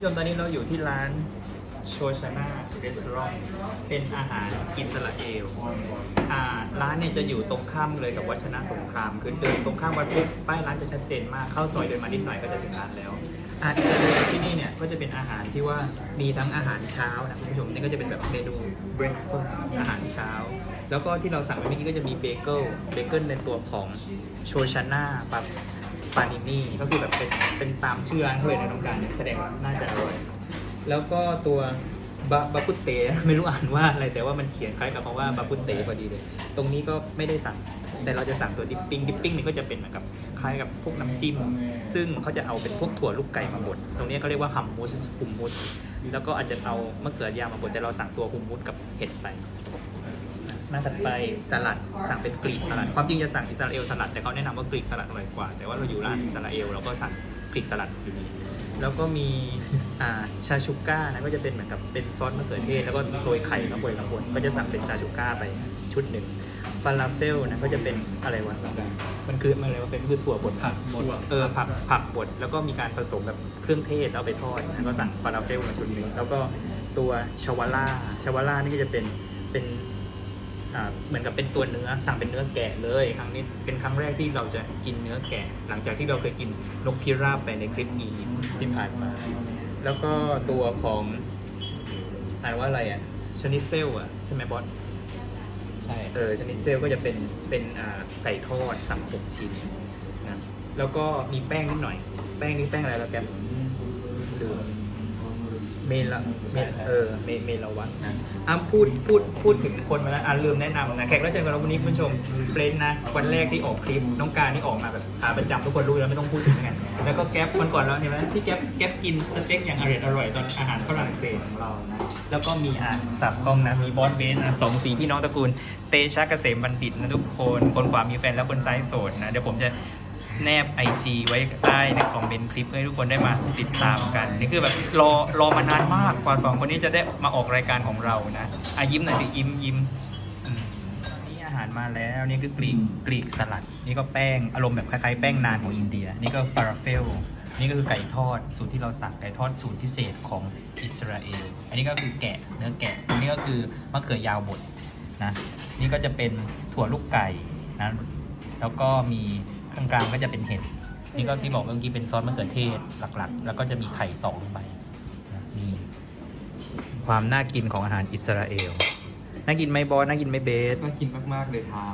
ตอนนี้เราอยู่ที่ร้านโชชาน่ารีสอร์ทเป็นอาหารอิสราเอลร้านเนี่ยจะอยู่ตรงข้ามเลยกับวัชนะสงครามคือเดินตรงข้ามวัดปุ๊บป้ายร้านจะชัดเจนมากเข้าซอยเดินมานิดหน่อยก็จะถึงร้านแล้วอิสราเอลที่นี่เนี่ยก็จะเป็นอาหารที่ว่ามีทั้งอาหารเช้านะคุณผู้ชมนี่ก็จะเป็นแบบเมนู breakfast อาหารเช้าแล้วก็ที่เราสั่งไปเมื่อกี้ก็จะมีเบเกิลในตัวของโชชาน่าปานินี่ก็คือแบบเป็นตามชื่อร้านเลยในน้องการแสดงว่าน่าจะอร่อยแล้วก็ตัวบาปุตเตไม่รู้อ่านว่าอะไรแต่ว่ามันเขียนคล้ายกับคำว่าบาปุตเตพอดีเลยตรงนี้ก็ไม่ได้สั่งแต่เราจะสั่งตัวดิปปิ้งนี่ก็จะเป็นเหมือนกับคล้ายกับพวกน้ำจิ้มซึ่งเขาจะเอาเป็นพวกถั่วลูกไก่มาบดตรงนี้เขาเรียกว่าฮัมมุสแล้วก็อาจจะเอามะเขือยาวมาบดแต่เราสั่งตัวฮุมมุสกับเห็ดไปหน้าถัดไปสลัดสั่งเป็นกรีกสลัดความจริงจะสั่งอิสราเอลสลัดแต่เขาแนะนำว่ากรีกสลัดอร่อยกว่าแต่ว่าเราอยู่ร้านอิสราเอลเราก็สั่งกรีกสลัดอยู่ดีแล้วก็มีชาชูก้านะก็จะเป็นเหมือนกับเป็นซอสมะเขือเทศแล้วก็โรยไข่ข้างบนก็จะสั่งเป็นชาชูก้าไปชุดหนึ่งฟาลาเฟลนะก็จะเป็นอะไรวะมันคืออะไรวะเป็นคือถั่วบดผักบดผักบดแล้วก็มีการผสมแบบเครื่องเทศเอาไปทอดนะก็สั่งฟาลาเฟลมาชุดหนึ่งแล้วก็ตัวชาวาล่านี่ก็จะเป็นเหมือนกับเป็นตัวเนื้อสั่งเป็นเนื้อแกะเลยครั้งนี้เป็นครั้งแรกที่เราจะกินเนื้อแกะหลังจากที่เราเคยกินนกพิราบไปในคลิปนี้ที่ผ่านมาแล้วก็ตัวของอ่านว่าอะไรชนิเซลใช่ไหมบอสใช่ชนิเซลก็จะเป็นไก่ทอดสั่ง6 ชิ้นนะแล้วก็มีแป้งนิดหน่อยแป้งนี่แป้งอะไรแล้วแกลืมเมลวัตนะพูดถึงคนมาแล้วลืมแนะนำนะแขกรับเชิญของเราวันนี้คุณผู้ชมเฟรนนะวันแรกที่ออกคลิปน้องการนี่ออกมาแบบขาประจำทุกคนรู้แล้วไม่ต้องพูดถึงกันแล้วก็แก๊ปวันก่อนแล้วเห็นไหมที่แก๊ปกินสเต็กอย่างอร่อยตอนอาหารฝรั่งเศสของเรานะแล้วก็มีสับกล้องนะมีบอสเบสนะ2 สีพี่น้องตระกูลเตชะเกษมบัณฑิตนะทุกคนขวามีแฟนแล้วคนซ้ายโสดนะเดี๋ยวผมจะแนบ IG ไว้ใต้ในคอมเมนต์คลิปให้ทุกคนได้มาติดตามกันนี่คือแบบรอมานานมากกว่า2 คนนี้จะได้มาออกรายการของเรานะยิ้มหน่อยสิยิ้มนี่อาหารมาแล้วนี่คือกรีกสลัดนี่ก็แป้งอารมณ์แบบคล้ายๆแป้งนานของอินเดียนี่ก็ฟาราเฟลนี่ก็คือไก่ทอดสูตรที่เราสั่งไก่ทอดสูตรพิเศษของอิสราเอลอันนี้ก็คือเนื้อแกะอันนี้ก็คือมะเขือยาวบดนะนี่ก็จะเป็นถั่วลูกไก่นะแล้วก็มีข้างกลางก็จะเป็นเห็ดนี่ก็ที่บอกเมื่อกี้เป็นซอสมะเขือเทศหลักๆแล้วก็จะมีไข่ตอกลงไปมีความน่ากินของอาหารอิสราเอลน่ากินไหมบอสน่ากินไหมเบสน่ากินมากๆเลยทาม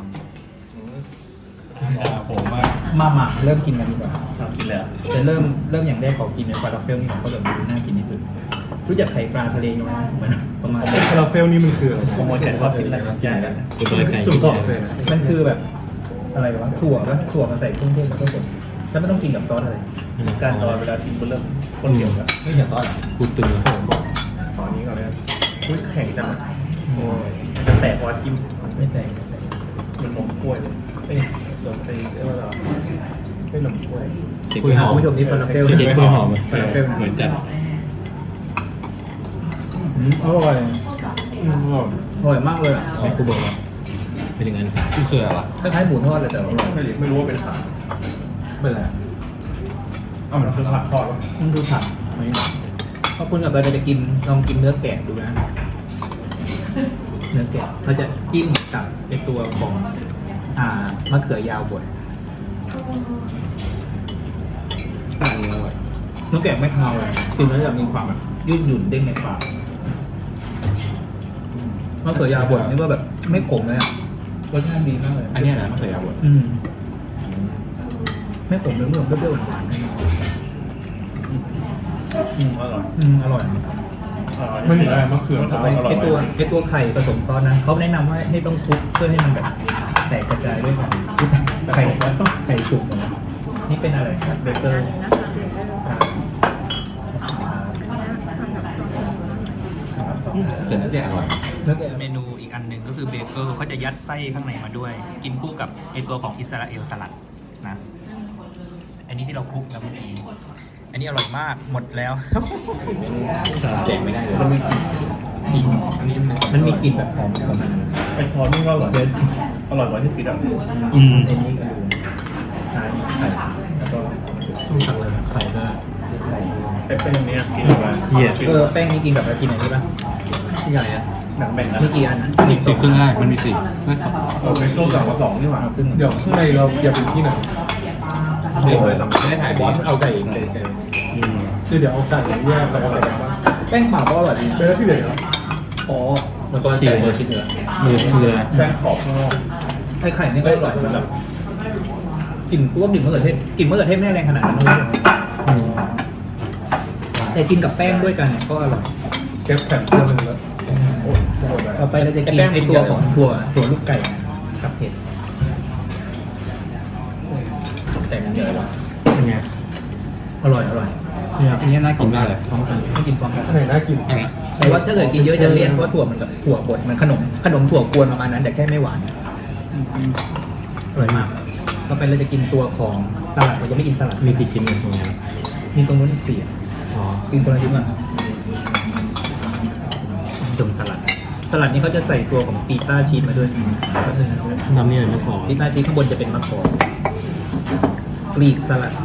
ผมมาเริ่มกินกันดีกว่ากินแล้วจะเริ่มอย่างแรกขอกินในฟาลาเฟลนี่ผมก็แบบน่ากินที่สุดรู้จักไข่ปลาทะเลไหมมันประมาณฟาลาเฟลนี่มันคืออะไรผมว่าแกชอบกินอะไรใหญ่แล้วสุดยอดมันคือแบบอะไรวะถั่วมาใส่เครื่องเทศแล้วก็บดแล้วไม่ต้องกินกับซอสอะไรการตอนเวลากินก็เริ่มข้นเหนียวแล้วไม่ใช่ซอสกูตึงตอนนี้ก่อนเลยแข็งจังแตกพอจิ้มไม่แตกมันนมกล้วยเลยเอ้ยนมตีเรียกว่าอะไรไม่นมกล้วยคุยหอมผู้ชมนี่ฟาลาเฟลคุยหอมฟาลาเฟลเหมือนจัดอร่อยมากเลยอ่ะกูบอกว่าเป็นอย่างนั้นกูเคยอะไรวะคล้ายๆหมูทอดเลยแต่อร่อยไม่รู้ว่าเป็นผักเป็นอะไรมันคือผักทอดมันคือผักไม่ถ้าคุณกับเราจะกินลองกินเนื้อแกะดูนะเนื้อแกะเราจะจิ้มกับในตัวของมะเขือยาวบดอันนี้อร่อยเนื้อแกะไม่คาวเลยกินแล้วจะมีความแบบยืดหยุ่นเด้งในปากมะเขือยาวบดนี่ว่าแบบไม่ขมเลยรสชาติดีมากเลยอันนี้นะมะเขือยาวบดไม่ขมเลยเมื่อเปรี้ยวหวานอร่อยอร่อยไม่มีอะไรมะเขือไอตัวไข่ผสมซอสนะเขาแนะนำว่าให้ต้องคลุกเพื่อให้มันแบบแตกกระจายด้วยกันไข่สุกนะนี่เป็นอะไรครับเบเกอร์เนื้อแกะอร่อยเมนูอีกอันหนึ่งก็คือเบเกอร์เขาจะยัดไส้ข้างในมาด้วยกินคู่กับไอตัวของอิสราเอลสลัดนะอันนี้ที่เราคลุกแล้วเมื่อกี้อันนี้อร่อยมากหมดแล้วแจกไม่ได้เลยมันมีกลิ่นแบบหอมของมันไอ้ทอดนี่ก็อร่อยกว่าที่คิดอ่ะกินไอ้นี้ก็ดูทานไข่แล้วก็ต้องสั่งเลยไข่ก็ไข่ไอ้เป็นอันเนี้ยกินอะไรเหี้ยแป้งนี่กินแบบกินอะไรป่ะที่ใหญ่อะหนังแบ่งนะไม่กี่อันนะมีสี่ครึ่งได้มันมีสี่ไม่สองเราเป็นตู้สั่งมาสองนี่หว่าเดี๋ยวข้างในเราอย่าเป็นที่ไหนไม่เคยทำไม่ได้ถ่ายบอสเอาไก่เองคือเดี๋ยวเอาไก่แยกแล้วก็อะไรบ้างแป้งเปล่าก็อร่อยดีเป็นที่ไหนครับอ๋อมันก็ไก่เบอร์ชิ้นเนื้อมือแป้งขอบข้างนอกไข่นี่ก็อร่อยมันแบบกลิ่นตัวกลิ่นมะเขือเทศกลิ่นมะเขือเทศไม่ได้แรงขนาดนั้นเลยแต่กินกับแป้งด้วยกันเนี่ยก็อร่อยแก๊ปแผ่นเสื้อมันแล้วต่อไปเราจะกินไอตัวของถั่วลูกไก่กับเห็ดแต่มันเยอะว่ะเป็นไงอร่อยเนี่ยอันนี้น่ากินได้เลยพร้อมกันไม่กินพร้อมกันไหนน่ากินแต่ว่าถ้าเกิดกินเยอะจะเลี่ยนเพราะว่าถั่วมันกับถั่วบดมันขนมถั่วกวนประมาณนั้นแต่แค่ไม่หวานอร่อยมากต่อไปเราจะกินตัวของสลัดเราจะไม่กินสลัดมีกี่ชิ้นเนี่ยตรงนี้มีตรงนู้นอีกสี่อ๋อกินคนละชิ้นก่อนดมสลัดนี้เขาจะใส่ตัวของปีต้าชีสมาด้วยน้ำนี่ไม่พอปีต้าชีสข้างบนจะเป็นมะกอกกรีกสลัด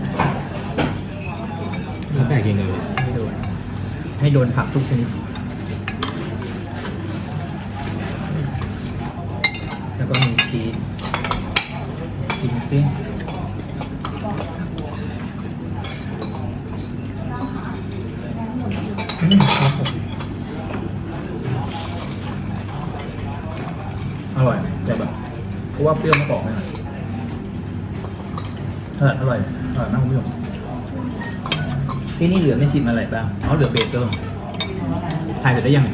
แล้วไก่กินเลยให้โดนผักทุกชนิดแล้วก็มีชีสกินซิครับผมอร่อยแต่แบบเพราะว่าเปรี้ยวมะกอกไหมอร่อยมากคุณผู้ชมที่นี่เหลือไม่ชิมอะไรบ้างเหลือเบเกิลทายเสร็จได้ยัง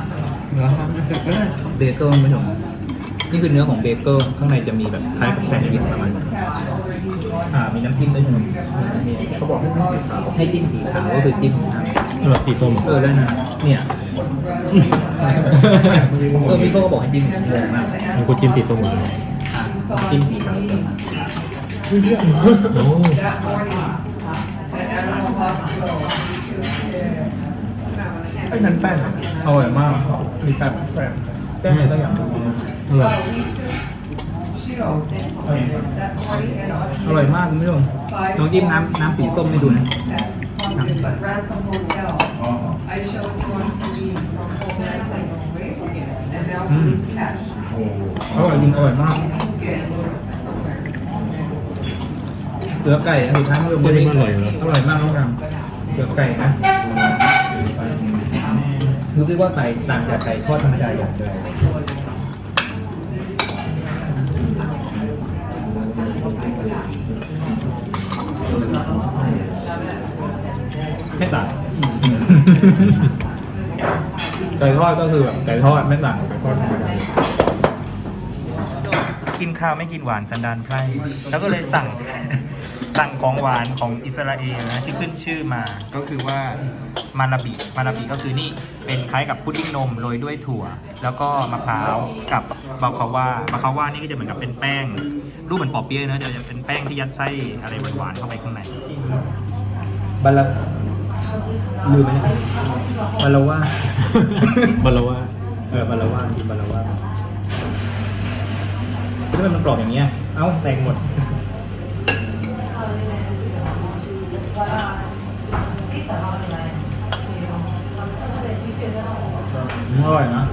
เบเกิลคุณผู้ชมนี่คือเนื้อของเบเกิลข้างในจะมีแบบคล้ายกับแซนด์วิชประมาณนั้นมีน้ำจิ้มด้วยใช่ไหมเขาบอกให้จิ้มสีขาวก็คือจิ้มน้ำแบบสีส้มได้นะเนี่ยพี่โก้ก็บอกให้จิ้มงงมากมันก็จิ้มสีส้มหวานจิ้มสีขาวโอ้ไอ้นั้นแป้งอร่อยมากมีแป้งอะไรก็อย่างอร่อยอร่อยมากคุณผู้ชมลองจิ้มน้ำสีส้มให้ดูนะ อร่อยจริงอร่อยมากเสือไก่สุดท้ายมันอร่อยมากน้องรังเสือไก่นะรู้สึกว่าไก่ต่างจากไก่ทอดธรรมดาอย่างไรไม่ต่างไก่ทอดก็คือแบบไก่ทอดไม่ต่างกับไก่ทอดธรรมดากินข้าวไม่กินหวานสันดานไพร่แล้วก็เลยสั่ง ของหวานของอิสราเอลนะที่ขึ้นชื่อมาก็คือว่ามาราบิก็คือนี่เป็นคล้ายกับพุดดิ้งนมโรยด้วยถั่ว แล้วก็มะพร้าวกับบาคาว่านี่ก็จะเหมือนกับเป็นแป้งรูปเหมือนปอเปี๊ยะนะจะเป็นแป้งที่ยัดไส้อะไรหวานๆเข้าไปข้างในบาลาลืมไหมบาลาว่าบาลาว่าบาลาว่ากินบาลาว่าถ้ามันกรอบอย่างเงี้ยเอ้าแตกหมดอร่อยนะ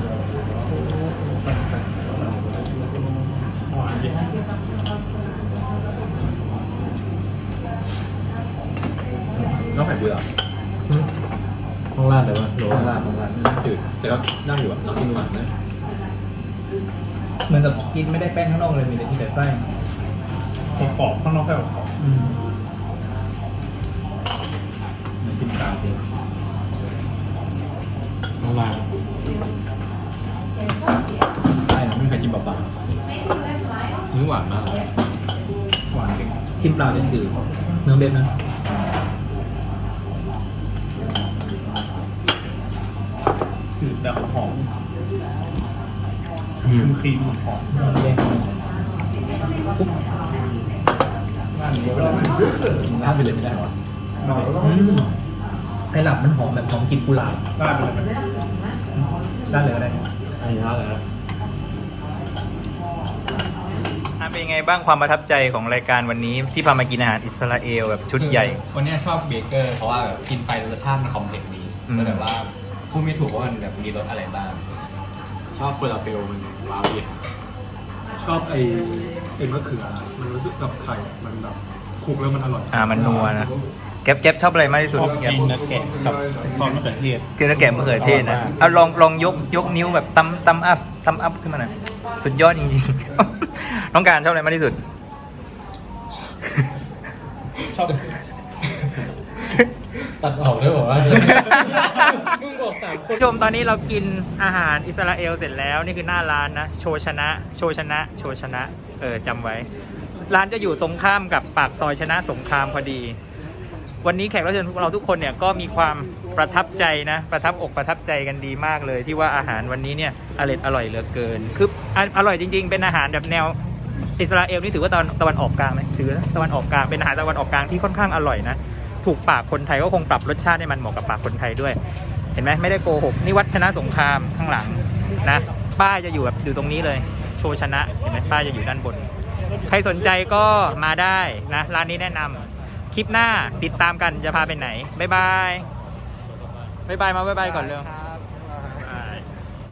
น้องไข่เบื่อห้องลาดเลยวะโหลต้องราดจืดแต่ก็นั่งอยู่แบบน้ำกินหวานนะเหมือนกับกินไม่ได้แป้งข้างนอกเลยมีแต่ที่แต่ไส้กรอบข้างนอกแค่กรอบมันชิมตามจริงห้องลาดได้นะไม่มีใครชิมเปล่าๆนี่หวานมากหวานจริงชิมเปล่าจะจืดเนื้อเบ็ดนะจืดแบบหอมครีมหอมแดงปุ๊บราดไปเลยไม่ได้หรอไซรัปมันหอมแบบหอมกลิ่นกุหลาบราดเลยราดเลยก็ได้อันนี้ราดเลยนะเป็นยังไงบ้างความประทับใจของรายการวันนี้ที่พามากินอาหารอิสราเอลแบบชุดใหญ่วันนี้ชอบเบเกอร์เพราะว่าแบบกินไปรสชาติมันคอมเพล็กซ์ดีอืมก็แบบว่าพูดไม่ถูกว่ามันแบบมีรสอะไรบ้าง ชอบเฟอร์ราเฟลมันว้าวดีชอบไอ้มะเขือมันรู้สึกแบบไข่มันแบบคลุกแล้วมันอร่อยมันนัวนะแก๊ปชอบอะไรมากที่สุดชอบแก๊ปกินนักแกะกับซอสมะเขือเทศกินแล้วแกะมะเขือเทศนะเอาลองยกนิ้วแบบตั้มอัพขึ้นมาหน่อยสุดยอดจริงๆ น้องการชอบอะไรมากที่สุดชอบตัดออกได้บอกว่ามึงบอก3 คนผู้ชมตอนนี้เรากินอาหารอิสราเอลเสร็จแล้วนี่คือหน้าร้านนะโชชนะจำไว้ ร้านจะอยู่ตรงข้ามกับปากซอยชนะสงครามพอดี วันนี้แขกรับเชิญพวกเราทุกคนเนี่ยก็มีความประทับใจนะประทับอกประทับใจกันดีมากเลย ที่ว่าอาหารวันนี้เนี่ยอร่อยเหลือเกินคืออร่อยจริงๆเป็นอาหารแบบแนวอิสราเอลนี่ถือว่าตะวันออกกลางไหมถือตะวันออกกลางเป็นอาหารตะวันออกกลางที่ค่อนข้างอร่อยนะถูกปากคนไทยก็คงปรับรสชาติให้มันเหมาะกับปากคนไทยด้วย เห็นไหมไม่ได้โกหกนี่วัดชนะสงครามข้างหลังนะป้ายจะอยู่แบบอยู่ตรงนี้เลยโชชนะเห็นไหมป้ายจะอยู่ด้านบน ใครสนใจก็มาได้นะร้านนี้แนะนำคลิปหน้าติดตามกันจะพาไปไหนบ๊ายบายมาบ๊ายบายก่อนเร็ว